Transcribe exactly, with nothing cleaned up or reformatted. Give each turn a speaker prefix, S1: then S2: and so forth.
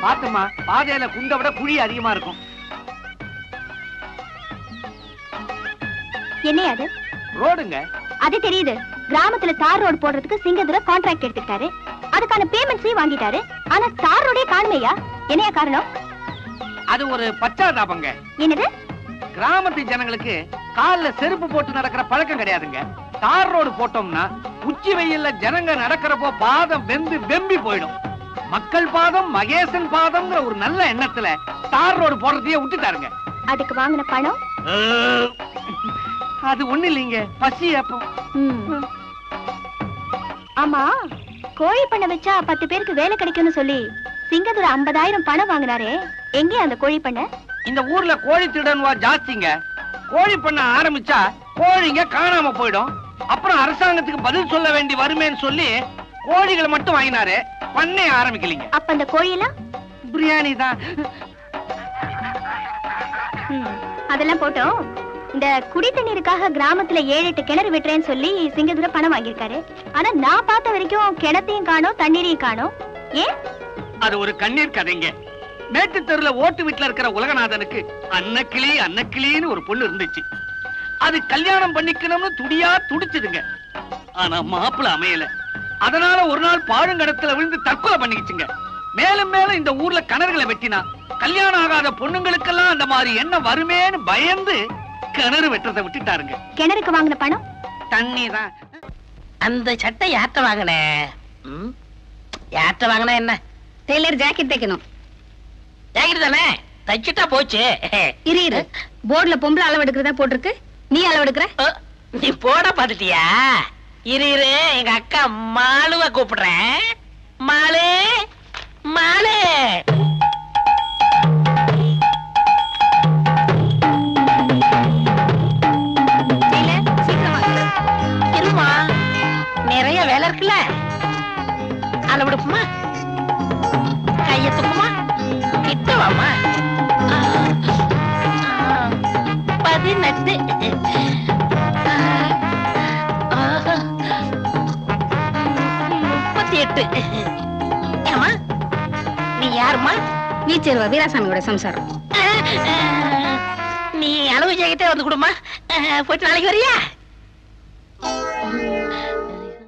S1: பாத்துமா, பாதையில குண்ட விட குழி அதிகமா இருக்கும்.
S2: என்ன அது?
S1: ரோடுங்க.
S2: அது தெரியுது. கிராமத்துல தார் ரோடு போடுறதுக்கு சிங்கதுரை கான்ட்ராக்ட் எடுத்துட்டாரு. அதுக்கான பேமெண்ட்ஸையும் வாங்கிட்டாரு. ஆனா தார் ரோடே காணுமையா? என்னையா காரணம்?
S1: அது ஒரு பச்சாதாபங்க.
S2: என்னது?
S1: கிராமத்து ஜனங்களுக்கு கால்ல செருப்பு போட்டு நடக்கிற பழக்கம் கிடையாதுங்க. தார் ரோடு போட்டோம்னா உச்சி வெயில்ல ஜனங்க நடக்கிறப்போ பாதம் வெந்து வெம்பி போயிடும். மக்கள் பாதம் மகேசன் பாதம்ங்கிற ஒரு நல்ல எண்ணத்துல தார் ரோடு போடுறதையே விட்டுட்டாருங்க.
S2: அதுக்கு வாங்கின பணம்?
S1: அது ஒண்ணு இல்லைங்க, பசி ஏப்பம்.
S2: ஆமா, கோழி பண்ண வச்சா பத்து பேருக்கு வேலை கிடைக்கும்னு சொல்லி சிங்கதுரை ஐம்பதாயிரம் பணம் வாங்கினாரே, எங்கே அந்த கோழி பண்ண?
S1: இந்த ஊர்ல கோழி திருடன்வா ஜாஸ்திங்க. கோழி பண்ண ஆரம்பிச்சா கோழிங்க காணாம போயிடும். அப்புறம் அரசாங்கத்துக்கு பதில் சொல்ல வேண்டி வருமேன்னு சொல்லி கோழிகளை மட்டும் வாங்கினாரு, பண்ணே ஆரம்பிக்கலீங்க.
S2: அப்ப அந்த கோழியெல்லாம்
S1: பிரியாணி தான்.
S2: அதெல்லாம் போட்டோம். இந்த குடி தண்ணீருக்காக கிராமத்துல ஏழு எட்டு கிணறு விட்டுறேன்னு சொல்லி சிங்கதுரை பணம் வாங்கியிருக்காரு. ஆனா நான் பார்த்த வரைக்கும் கிணத்தையும் காணோம், தண்ணீரையும் காணோம். ஏன்?
S1: அது ஒரு கண்ணீர் கதைங்க. மேட்டு தெருல ஓட்டு வீட்டுல இருக்கிற உலகநாதனுக்கு அன்னக்கிளி அன்னக்கிளின்னு ஒரு பொண்ணு இருந்துச்சு. அது கல்யாணம் பண்ணிக்கணும்னு துடியா துடிச்சுதுங்க. ஆனா மாப்பிள்ள அமையல. அதனால ஒரு நாள் பாழுங்கடத்துல விழுந்து தற்கொலை பண்ணிக்கிச்சுங்க. மேலும் மேலும் இந்த ஊர்ல கிணறுகளை வெட்டினா கல்யாணம் ஆகாத பொண்ணுங்களுக்கெல்லாம் அந்த மாதிரி என்ன வருமேன்னு பயந்து கிணறு வெட்டுறதை விட்டுட்டாருங்க.
S2: கிணறுக்கு வாங்கின பணம்?
S1: தண்ணி தான்.
S3: அந்த சட்டை யார்ட்ட வாங்கின? யார்ட்ட வாங்கின? என்ன?
S2: டெய்லர் ஜாக்கெட் தைக்கணும்.
S3: ஜாக்கெட் தானே, தைச்சிட்டா போச்சு.
S2: இரு இரு, போர்டுல பொம்பளை அளவு எடுக்கிறதா போட்டிருக்கு, நீ அளவு எடுக்கிற?
S3: நீ போட பாத்துட்டியா? இரு இரு, எங்க அக்கா மாலுவ கூப்பிடுறேன். மாலு, மாலு. இருமா, நிறைய வேலை இருக்குல்ல, அளவு எடுப்புமா, கைய தூக்குமா, கிட்ட வாமா. பதினெட்டு, முப்பத்தி எட்டு. ஏமா நீ யாருமா?
S2: வீச்சேருவா வீராசாமியோட சம்சாரம்.
S3: நீ அளவு ஜாக்கெட்டே வந்து கொடுமா. போயிட்டு நாளைக்கு வரியா?